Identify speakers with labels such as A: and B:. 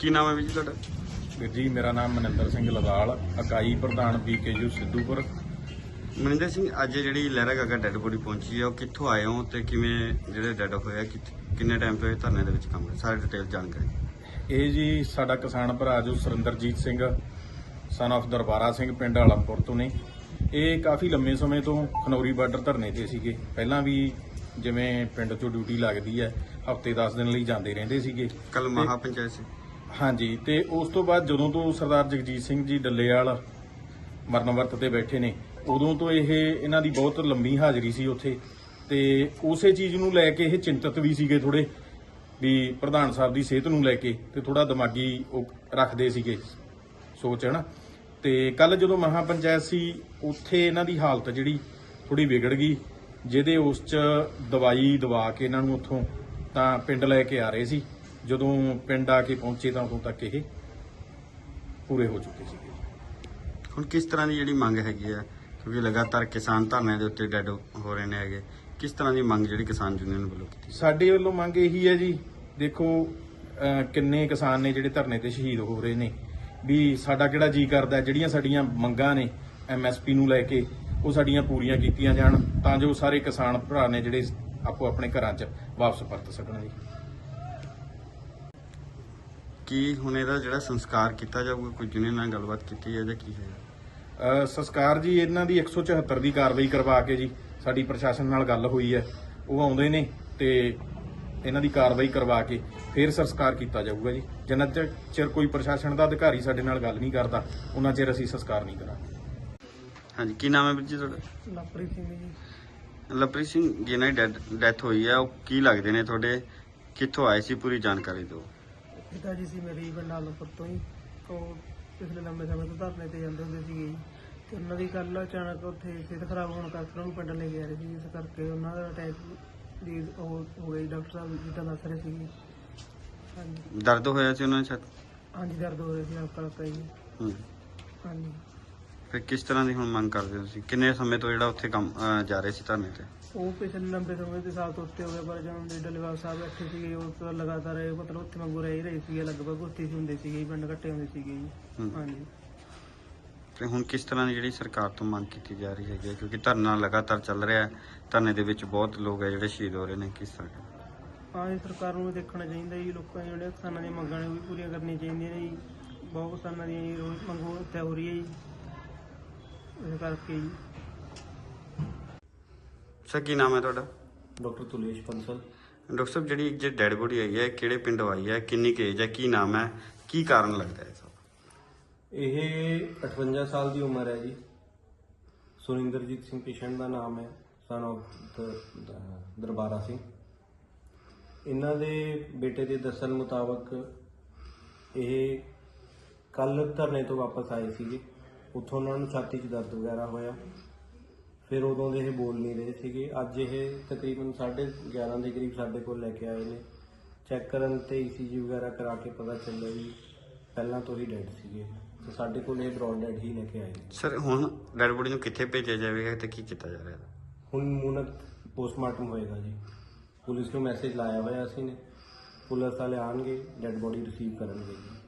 A: ਕੀ ਨਾਮ ਹੈ ਵੀਰ ਜੀ ਤੁਹਾਡਾ?
B: ਵੀਰ ਜੀ ਮੇਰਾ ਨਾਮ ਮਨਿੰਦਰ ਸਿੰਘ ਲਵਾਲ, ਇਕਾਈ ਪ੍ਰਧਾਨ BKU ਸਿੱਧੂਪੁਰ।
A: ਮਨਿੰਦਰ ਸਿੰਘ, ਅੱਜ ਜਿਹੜੀ ਲਹਿਰਾ ਗਾਗਾ ਡੈੱਡ ਬੋਡੀ ਪਹੁੰਚੀ ਹੈ, ਉਹ ਕਿੱਥੋਂ ਆਏ ਹੋ ਤੇ ਕਿਵੇਂ ਜਿਹੜੇ ਡੈੱਡ ਹੋਇਆ ਕਿੰਨੇ ਟਾਈਮ ਤੋਂ ਇਹ ਧਰਨੇ ਦੇ ਵਿੱਚ ਕੰਮ ਕਰ ਸਾਰੇ ਡਿਟੇਲ ਜਾਣਕਾਰੀ।
B: ਇਹ ਜੀ ਸਾਡਾ ਕਿਸਾਨ ਭਰਾ ਜੋ ਸੁਰਿੰਦਰਜੀਤ ਸਿੰਘ ਸਨ of ਦਰਬਾਰਾ ਸਿੰਘ ਪਿੰਡ ਆਲਮਪੁਰ ਤੋਂ ਨੇ। ਇਹ ਕਾਫੀ ਲੰਮੇ ਸਮੇਂ ਤੋਂ ਖਨੌਰੀ ਬਾਰਡਰ ਧਰਨੇ ਤੇ ਸੀਗੇ। ਪਹਿਲਾਂ ਵੀ ਜਿਵੇਂ ਪਿੰਡ 'ਚੋਂ ਡਿਊਟੀ ਲੱਗਦੀ ਹੈ, ਹਫ਼ਤੇ 10 ਦਿਨ ਲਈ ਜਾਂਦੇ ਰਹਿੰਦੇ ਸੀਗੇ।
A: ਕੱਲ ਮਹਾ ਪੰਚਾਇਤ ਸੀ।
B: ਹਾਂਜੀ, ਤੇ ਉਸ ਤੋਂ ਬਾਅਦ ਜਦੋਂ ਤੋਂ ਸਰਦਾਰ ਜਗਜੀਤ ਸਿੰਘ ਜੀ ਡੱਲੇਵਾਲ ਮਰਨ ਵਰਤ ਤੇ ਬੈਠੇ ਨੇ, ਉਦੋਂ ਤੋਂ ਇਹਨਾਂ ਦੀ ਬਹੁਤ ਲੰਮੀ ਹਾਜ਼ਰੀ ਸੀ ਉੱਥੇ, ਤੇ ਉਸੇ ਚੀਜ਼ ਨੂੰ ਲੈ ਕੇ ਇਹ ਚਿੰਤਤ ਵੀ ਸੀਗੇ ਥੋੜੇ, ਵੀ ਪ੍ਰਧਾਨ ਸਾਹਿਬ ਦੀ ਸਿਹਤ ਨੂੰ ਲੈ ਕੇ, ਤੇ ਥੋੜਾ ਦਿਮਾਗੀ ਉਹ ਰੱਖਦੇ ਸੀਗੇ ਸੋਚ, ਹੈ ਨਾ। ਤੇ ਕੱਲ ਜਦੋਂ ਮਹਾ ਪੰਚਾਇਤ ਸੀ, ਉੱਥੇ ਇਹਨਾਂ ਦੀ ਹਾਲਤ ਜਿਹੜੀ ਥੋੜੀ ਵਿਗੜ ਗਈ, ਜਿਹਦੇ ਉਸ 'ਚ ਦਵਾਈ ਦਵਾ ਕੇ ਇਹਨਾਂ ਨੂੰ ਉੱਥੋਂ ਤਾਂ ਪਿੰਡ ਲੈ ਕੇ ਆ ਰਹੇ ਸੀ। ਜਦੋਂ ਪਿੰਡ ਆ ਕੇ ਪਹੁੰਚੇ ਤਾਂ ਉਦੋਂ ਤੱਕ ਇਹ ਪੂਰੇ ਹੋ ਚੁੱਕੇ ਸੀਗੇ।
A: ਹੁਣ ਕਿਸ ਤਰ੍ਹਾਂ ਦੀ ਜਿਹੜੀ ਮੰਗ ਹੈਗੀ ਆ, ਕਿਉਂਕਿ ਲਗਾਤਾਰ ਕਿਸਾਨ ਧਰਨੇ ਦੇ ਉੱਤੇ ਡੈੱਡ ਹੋ ਰਹੇ ਨੇ ਹੈਗੇ, ਕਿਸ ਤਰ੍ਹਾਂ ਦੀ ਮੰਗ ਜਿਹੜੀ ਕਿਸਾਨ ਯੂਨੀਅਨ ਵੱਲੋਂ ਕੀਤੀ?
B: ਸਾਡੇ ਵੱਲੋਂ ਮੰਗ ਇਹੀ ਹੈ ਜੀ, ਦੇਖੋ ਕਿੰਨੇ ਕਿਸਾਨ ਨੇ ਜਿਹੜੇ ਧਰਨੇ ਤੇ ਸ਼ਹੀਦ ਹੋ ਰਹੇ ਨੇ, ਵੀ ਸਾਡਾ ਕਿਹੜਾ ਜੀ ਕਰਦਾ ਜਿਹੜੀਆਂ ਸਾਡੀਆਂ ਮੰਗਾਂ ਨੇ MSP ਨੂੰ ਲੈ ਕੇ, ਉਹ ਸਾਡੀਆਂ ਪੂਰੀਆਂ ਕੀਤੀਆਂ ਜਾਣ, ਤਾਂ ਜੋ ਸਾਰੇ ਕਿਸਾਨ ਭਰਾ ਨੇ ਜਿਹੜੇ ਆਪੋ ਆਪਣੇ ਘਰਾਂ 'ਚ ਵਾਪਸ ਪਰਤ ਸਕਣ ਜੀ।
A: ਕੀ ਹੁਣ ਇਹਦਾ ਜਿਹੜਾ ਸੰਸਕਾਰ ਕੀਤਾ ਜਾਊਗਾ, ਕੋਈ ਯੂਨੀਅਨ ਨਾਲ ਗੱਲਬਾਤ ਕੀਤੀ ਹੈ ਜਾਂ ਕੀ ਹੈ?
B: ਸੰਸਕਾਰ ਜੀ ਇਹਨਾਂ ਦੀ 174 ਦੀ ਕਾਰਵਾਈ ਕਰਵਾ ਕੇ ਜੀ, ਸਾਡੀ ਪ੍ਰਸ਼ਾਸਨ ਨਾਲ ਗੱਲ ਹੋਈ ਹੈ, ਉਹ ਆਉਂਦੇ ਨੇ ਤੇ ਇਹਨਾਂ ਦੀ ਕਾਰਵਾਈ ਕਰਵਾ ਕੇ ਫਿਰ ਸੰਸਕਾਰ ਕੀਤਾ ਜਾਊਗਾ ਜੀ। ਜਿੰਨਾ ਚਿਰ ਕੋਈ ਪ੍ਰਸ਼ਾਸਨ ਦਾ ਅਧਿਕਾਰੀ ਸਾਡੇ ਨਾਲ ਗੱਲ ਨਹੀਂ ਕਰਦਾ, ਉਹਨਾਂ ਚਿਰ ਅਸੀਂ ਸੰਸਕਾਰ ਨਹੀਂ ਕਰਾਂਗੇ।
A: ਹਾਂਜੀ, ਕੀ ਨਾਮ ਹੈ ਵੀਰ ਜੀ ਤੁਹਾਡਾ?
C: ਲਵਪ੍ਰੀਤ ਸਿੰਘ ਜੀ।
A: ਲਵਪ੍ਰੀਤ ਸਿੰਘ, ਜਿਹਨਾਂ ਦੀ ਡੈਥ ਹੋਈ ਹੈ, ਉਹ ਕੀ ਲੱਗਦੇ ਨੇ ਤੁਹਾਡੇ? ਕਿੱਥੋਂ ਆਏ ਸੀ? ਪੂਰੀ ਜਾਣਕਾਰੀ ਦਿਓ।
C: ਪਿਤਾ ਜੀ ਸੀ ਮੇਰੀ ਪਿੰਡ ਆਲਮਪੁਰ ਤੋਂ ਹੀ, ਉਹ ਪਿਛਲੇ ਲੰਬੇ ਸਮੇਂ ਤੋਂ ਧਰਨੇ ਤੇ ਜਾਂਦੇ ਹੁੰਦੇ ਸੀਗੇ ਜੀ, ਤੇ ਉਹਨਾਂ ਦੀ ਕੱਲ ਅਚਾਨਕ ਉੱਥੇ ਸਿਹਤ ਖਰਾਬ ਹੋਣ ਕਰਕੇ ਉਹਨਾਂ ਨੂੰ ਪਿੰਡ ਲੈ ਕੇ ਆ ਰਹੇ ਸੀ, ਇਸ ਕਰਕੇ ਉਹਨਾਂ ਦਾ ਅਟੈਕ ਦੀ ਉਹ ਹੋ ਗਈ। ਡਾਕਟਰ ਸਾਹਿਬ ਜਿੱਦਾਂ ਦੱਸ ਰਹੇ ਸੀਗੇ। ਹਾਂਜੀ
A: ਦਰਦ ਹੋਇਆ ਸੀ ਉਹਨਾਂ ਦੇ ਛੱਤ?
C: ਹਾਂਜੀ, ਦਰਦ ਹੋ ਰਿਹਾ ਸੀ ਹਲਕਾ ਜੀ। ਹਾਂਜੀ।
A: ਫਿਰ ਕਿਸ ਤਰ੍ਹਾਂ ਦੀ ਹੁਣ ਮੰਗ ਕਰਦੇ ਹੋ ਤੁਸੀਂ? ਕਿੰਨੇ ਸਮੇਂ ਤੋਂ ਜਿਹੜਾ ਉੱਥੇ ਕੰਮ ਜਾ ਰਹੇ ਸੀ ਧਰਨੇ ਤੇ?
C: ਉਹ ਪਿਛਲੇ ਲੰਬੇ ਸਮੇਂ ਦੇ ਸਾਲ ਤੋਂ ਉੱਤੇ ਹੋ ਗਏ, ਪਰ ਜਦੋਂ ਦੇ ਡੱਲੇਵਾਲ ਸਾਹਿਬ ਬੈਠੇ ਸੀਗੇ, ਉਹ ਤਾਂ ਲਗਾਤਾਰ ਮਤਲਬ ਉੱਥੇ ਵਾਂਗੂ ਰਹਿ ਹੀ ਰਹੇ ਸੀਗੇ, ਲਗਭਗ ਉੱਥੇ ਹੀ ਹੁੰਦੇ ਸੀਗੇ, ਪਿੰਡ ਇਕੱਠੇ ਹੁੰਦੇ ਸੀਗੇ ਜੀ। ਹਾਂਜੀ।
A: ਤੇ ਹੁਣ ਕਿਸ ਤਰ੍ਹਾਂ ਦੀ ਜਿਹੜੀ ਸਰਕਾਰ ਤੋਂ ਮੰਗ ਕੀਤੀ ਜਾ ਰਹੀ ਹੈਗੀ, ਕਿਉਂਕਿ ਧਰਨਾ ਲਗਾਤਾਰ ਚੱਲ ਰਿਹਾ ਹੈ, ਧਰਨੇ ਦੇ ਵਿੱਚ ਬਹੁਤ ਲੋਕ ਹੈ ਜਿਹੜੇ ਸ਼ਹੀਦ ਹੋ ਰਹੇ ਨੇ, ਕਿਸ ਤਰ੍ਹਾਂ?
C: ਹਾਂ ਜੀ, ਸਰਕਾਰ ਨੂੰ ਵੀ ਦੇਖਣਾ ਚਾਹੀਦਾ ਜੀ, ਲੋਕਾਂ ਦੀਆਂ ਜਿਹੜੀਆਂ ਕਿਸਾਨਾਂ ਦੀਆਂ ਮੰਗਾਂ ਨੇ ਉਹ ਵੀ ਪੂਰੀਆਂ ਕਰਨੀਆਂ ਚਾਹੀਦੀਆਂ ਨੇ ਜੀ। ਬਹੁਤ ਕਿਸਾਨਾਂ ਦੀਆਂ ਜੀ ਰੋਜ਼ ਮੰਗ ਉੱਥੇ ਹੋ ਰਹੀ ਹੈ ਜੀ, ਇਸ ਕਰਕੇ ਜੀ।
A: ਸਰ, ਕੀ ਨਾਮ ਹੈ ਤੁਹਾਡਾ?
D: ਡਾਕਟਰ ਤੁਲੇਸ਼ ਬੰਸਲ।
A: ਡਾਕਟਰ ਸਾਹਿਬ, ਜਿਹੜੀ ਡੈਡ ਬੋਡੀ ਆਈ ਹੈ, ਕਿਹੜੇ ਪਿੰਡੋਂ ਆਈ ਹੈ, ਕਿੰਨੀ ਕੁ ਏਜ ਹੈ, ਕੀ ਨਾਮ ਹੈ, ਕੀ ਕਾਰਨ ਲੱਗਦਾ ਹੈ ਸਭ?
D: ਇਹ 58 ਸਾਲ ਦੀ ਉਮਰ ਹੈ ਜੀ। ਸੁਰਿੰਦਰਜੀਤ ਸਿੰਘ ਪੇਸ਼ੈਂਟ ਦਾ ਨਾਮ ਹੈ, ਸਨ of ਦਰਬਾਰਾ ਸਿੰਘ। ਇਹਨਾਂ ਦੇ ਬੇਟੇ ਦੇ ਦੱਸਣ ਮੁਤਾਬਕ ਇਹ ਕੱਲ ਧਰਨੇ ਤੋਂ ਵਾਪਸ ਆਏ ਸੀਗੇ, ਉੱਥੋਂ ਉਹਨਾਂ ਨੂੰ ਛਾਤੀ 'ਚ ਦਰਦ ਵਗੈਰਾ ਹੋਇਆ, ਫਿਰ ਉਦੋਂ ਦੇ ਇਹ ਬੋਲ ਨਹੀਂ ਰਹੇ ਸੀਗੇ। ਅੱਜ ਇਹ ਤਕਰੀਬਨ 11:30 ਦੇ ਕਰੀਬ ਸਾਡੇ ਕੋਲ ਲੈ ਕੇ ਆਏ ਨੇ। ਚੈੱਕ ਕਰਨ ਤੇ ECG ਵਗੈਰਾ ਕਰਾ ਕੇ ਪਤਾ ਚੱਲਿਆ ਵੀ ਪਹਿਲਾਂ ਤੋਂ ਹੀ ਡੈਡ ਸੀਗੇ, ਤੇ ਸਾਡੇ ਕੋਲ ਇਹ ਬਰੌਡ ਡੈਡ ਹੀ ਲੈ ਕੇ ਆਏ ਨੇ।
A: ਸਰ, ਹੁਣ ਡੈਡ ਬੋਡੀ ਨੂੰ ਕਿੱਥੇ ਭੇਜਿਆ ਜਾਵੇਗਾ ਤੇ ਕੀ ਕੀਤਾ ਜਾ ਰਿਹਾ?
D: ਹੁਣ ਮੂਨਕ ਪੋਸਟਮਾਰਟਮ ਹੋਏਗਾ ਜੀ। ਪੁਲਿਸ ਨੂੰ ਮੈਸੇਜ ਲਾਇਆ ਹੋਇਆ ਅਸੀਂ ਨੇ, ਪੁਲਿਸ ਵਾਲੇ ਆਣਗੇ, ਡੈਡ ਬੋਡੀ ਰਿਸੀਵ ਕਰਨਗੇ ਜੀ।